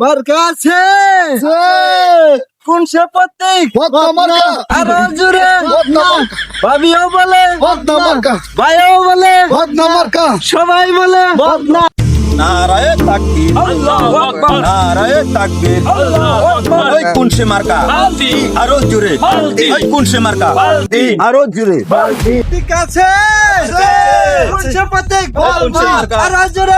মার্কা আছে কোন সে প্রতীক আরো জোরে ভাবিও বলে ভাইও বলে সবাই বলে নারায়ে তাকবীর আল্লাহু আকবার নারায়ে তাকবীর আল্লাহু আকবার ওই কোন সে মার্কা বালতি আরো জোরে বালতি। ওই কোন সে মার্কা বালতি। আরো জোরে ঠিক আছে কোন সে প্রতীক কোন সে মার্কা? আরো জোরে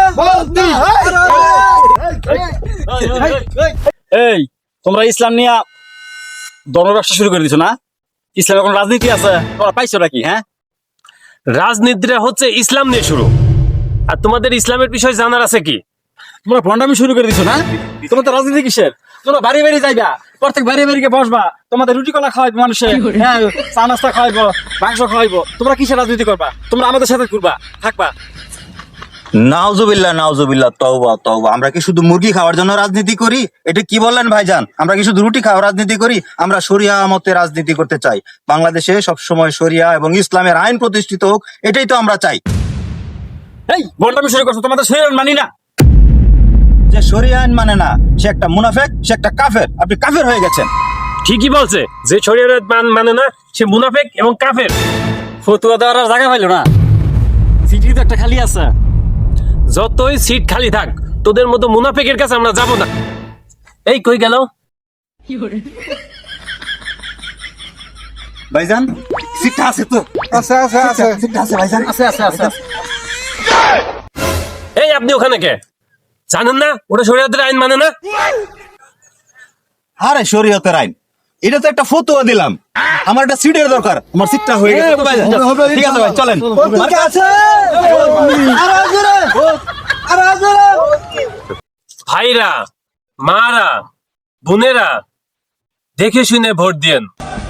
এই তোমরা ইসলাম নিয়ে ধর্ম ব্যবসা শুরু করে দিছো না? ইসলামের কোন রাজনীতি আছে? তোমরা পাইছো নাকি? হ্যাঁ, রাজনীতিটা হচ্ছে ইসলাম নিয়ে শুরু। আর তোমাদের ইসলামের বিষয় জানার আছে কি? তোমরা ভণ্ডামি শুরু করে দিছো না? তোমরা তো রাজনীতি কিসের? তোমরা বাড়ি বাড়ি যাইবা, প্রত্যেক বাড়ি বাড়ি গিয়ে বসবা, তোমাদের রুটি কলা খাওয়াইবো মানুষে, হ্যাঁ, চা নাস্তা খাওয়াইবো, মাংস খাওয়াইবো। তোমরা কিসের রাজনীতি করবা? তোমরা আমাদের সাথে করবা, থাকবা। নাউজুবিল্লাহ নাউজুবিল্লাহ তওবা তওবা আমরা কি শুধু মুরগি খাওয়ার জন্য রাজনীতি করি? এটা কি বললেন ভাইজান? আমরা কি শুধু রুটি খাওয়ার রাজনীতি করি? আমরা শরিয়া মতে রাজনীতি করতে চাই। বাংলাদেশে সবসময় শরিয়া এবং ইসলামের আইন প্রতিষ্ঠিত হোক, এটাই তো আমরা চাই। এই ভণ্ডামি শুরু করছো, তোমাদের শরীর মানি না। যে শরিয়া আইন মানে না, সে একটা মুনাফেক, সে একটা কাফের। আপনি কাফের হয়ে গেছেন। ঠিকই বলছে, যে শরীয়ত মানে না সে মুনাফিক এবং কাফের। ফতুয়া দেওয়ার আর জায়গা পাইলো না, সিটি তো একটা খালি আছে। যতই সিট খালি থাক, তোদের মতো মুনাফিকের কাছে আমরা যাব না। এই কই গেল? ভাইজান সিটটা আছে তো? আছে আছে আছে সিটটা আছে ভাইজান? আছে। এই আপনি ওখানে কে? জানেন না ওটা শরীয়তের আইন মানে না? আরে শরীয়তের আইন, এটা তো একটা ফতোয়া দিলাম। আমার একটা সিটের দরকার, আমার সিটটা হয়ে গেছে তো ভাইজান। ঠিক আছে ভাই, চলেন। ঠিক আছে আরো জোরে আরো জোরে ভাইরা, মারা, বোনেরা, দেখে শুনে ভোট দিয়েন।